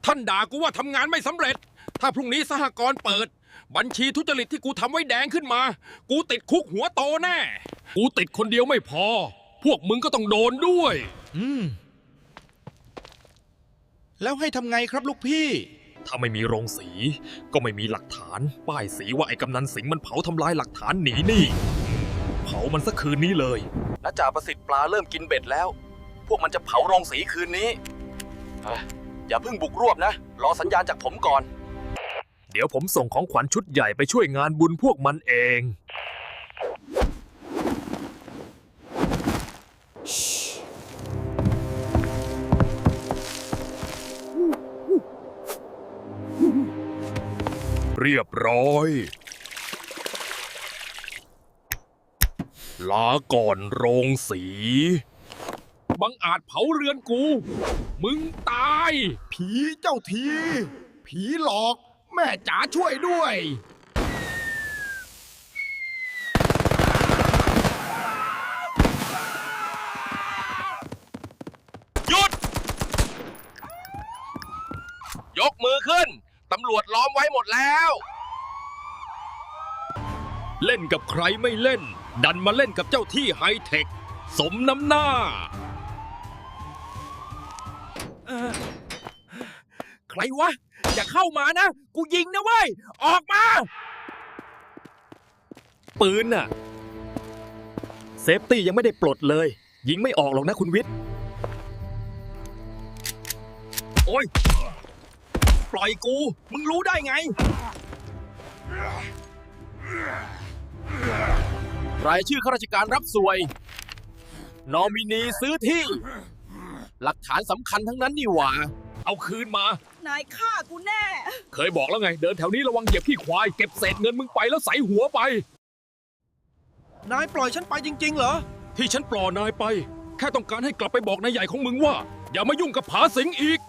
ท่านด่ากูว่าทำงานไม่สำเร็จถ้าพรุ่งนี้สหกรณ์เปิดบัญชีทุจริตที่กูทำไว้แดงขึ้นมากูติดคุกหัวโตแน่กูติดคนเดียวไม่พอพวกมึงก็ต้องโดนด้วยแล้วให้ทำไงครับลูกพี่ถ้าไม่มีโรงสีก็ไม่มีหลักฐานป้ายสีว่าไอ้กำนันสิงห์มันเผาทำลายหลักฐานหนีหนี้เผามันสักคืนนี้เลยและจ่าประสิทธิ์ปลาเริ่มกินเบ็ดแล้วพวกมันจะเผาโรงสีคืนนี้อย่าเพิ่งบุกรวบนะรอสัญญาณจากผมก่อนเดี๋ยวผมส่งของขวัญชุดใหญ่ไปช่วยงานบุญพวกมันเองเรียบร้อยลาก่อนโรงสีบังอาจเผาเรือนกูมึงตายผีเจ้าทีผีหลอกแม่จ๋าช่วยด้วยหยุดยกมือขึ้นตำรวจล้อมไว้หมดแล้วเล่นกับใครไม่เล่นดันมาเล่นกับเจ้าที่ไฮเทคสมน้ำหน้าใครวะอย่าเข้ามานะกูยิงนะเว้ยออกมาปืนน่ะเซฟตี้ยังไม่ได้ปลดเลยยิงไม่ออกหรอกนะคุณวิทย์โอ้ยปล่อยกูมึงรู้ได้ไงรายชื่อข้าราชการรับสวยนอมินีซื้อที่หลักฐานสำคัญทั้งนั้นนี่หว่าเอาคืนมานายฆ่ากูแน่เคยบอกแล้วไงเดินแถวนี้ระวังเหยียบขี้ควายเก็บเศษเงินมึงไปแล้วใส่หัวไปนายปล่อยฉันไปจริงๆเหรอที่ฉันปล่อยนายไปแค่ต้องการให้กลับไปบอกนายใหญ่ของมึงว่าอย่ามายุ่งกับผาสิงอีก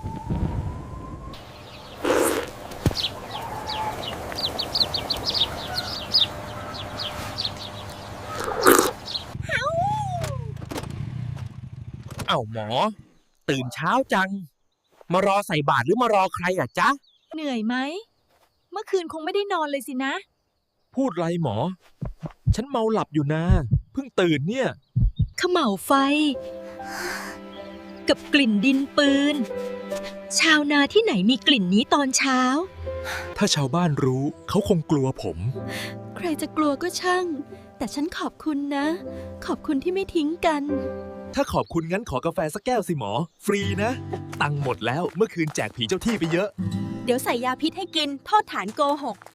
เอ้าหมอตื่นเช้าจังมารอใส่บาตรหรือมารอใครอ่ะจ๊ะเหนื่อยไหมเมื่อคืนคงไม่ได้นอนเลยสินะพูดไรหมอฉันเมาหลับอยู่นะเพิ่งตื่นเนี่ยเขม่าวไฟกับกลิ่นดินปืนชาวนาที่ไหนมีกลิ่นนี้ตอนเช้าถ้าชาวบ้านรู้เขาคงกลัวผมใครจะกลัวก็ช่างแต่ฉันขอบคุณนะขอบคุณที่ไม่ทิ้งกันถ้าขอบคุณงั้นขอกาแฟสักแก้วสิหมอฟรีนะตังค์หมดแล้วเมื่อคืนแจกผีเจ้าที่ไปเยอะเดี๋ยวใส่ยาพิษให้กินโทษฐานโกหก